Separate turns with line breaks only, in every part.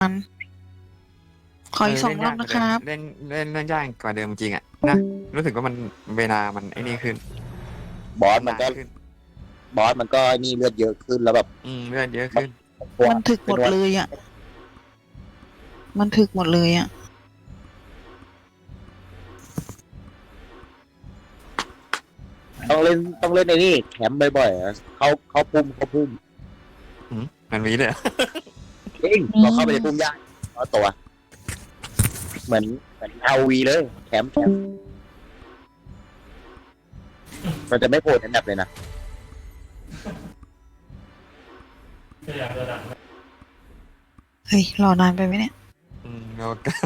ขออีกสองรอบนะครับ
เล่นยากกว่าเดิมจริงอ่ะนะรู้สึกว่ามันเวลามันไอ้นี่ขึ้น
บอสมันก็
ขึ้น
บอสมันก็นี่เลือดเยอะขึ้นแล้วแบบ
เลือดเยอะขึ้น
มันถึกหมดเลยอ่ะ มันถึกหมดเลยอ่ะ
ต้องเล่นในนี่แคมป์บ่อยๆอะเขาพุ่ม
มันมีเลยเหรอ
เองเราเข้าไปในพุ่มยากเอาตัว เหมือนเอาวีเลยแคมป์มันจะไม่โผล่ในแมปเลยนะ
เฮ้ย รอนานไปไหมเนี่ย
เรา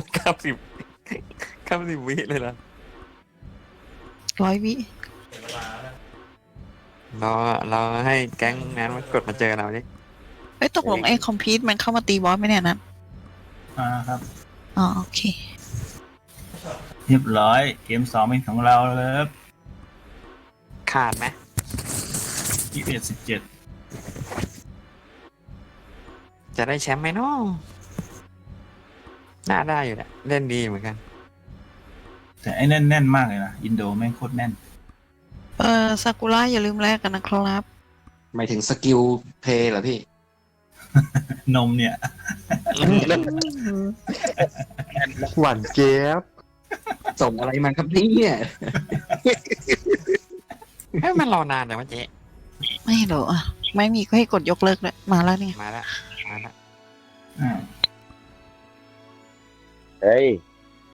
90วิเลยนะ
100 วิ
เราให้แก๊งนั้นมันกดมาเจอเราดิ
เอ้ย ตกลงไอ้คอมพิวมันเข้ามาตีบอสไหมเนี่ยนัท
ครับ
อ๋อ โอเค
เรียบร้อยเกม2เป็นของเราเลยครับ
ขาดไหม
21-17
จะได้แชมป์ไหมเนาะน่าได้อยู่แหละเล่นดีเหมือนกัน
แต่ไอ้แน่นมากเลยนะอินโดแม่งโคตรแน่น
ซากุระอย่าลืมแลกกันนะครับ
หมายถึงสกิลเพลย์เหรอพี่
นมเนี่ย
หวานเจี๊ยบ ส่งอะไรมาครับเนี่ย
ให้มันรอนานแต่ว่าเจ๊
ไม่หรอกอ่ะ ไม่มีก็ให้กดยกเลิกเลยมาแล้วเนี่ย
มาละ
อ่า
เฮ้ย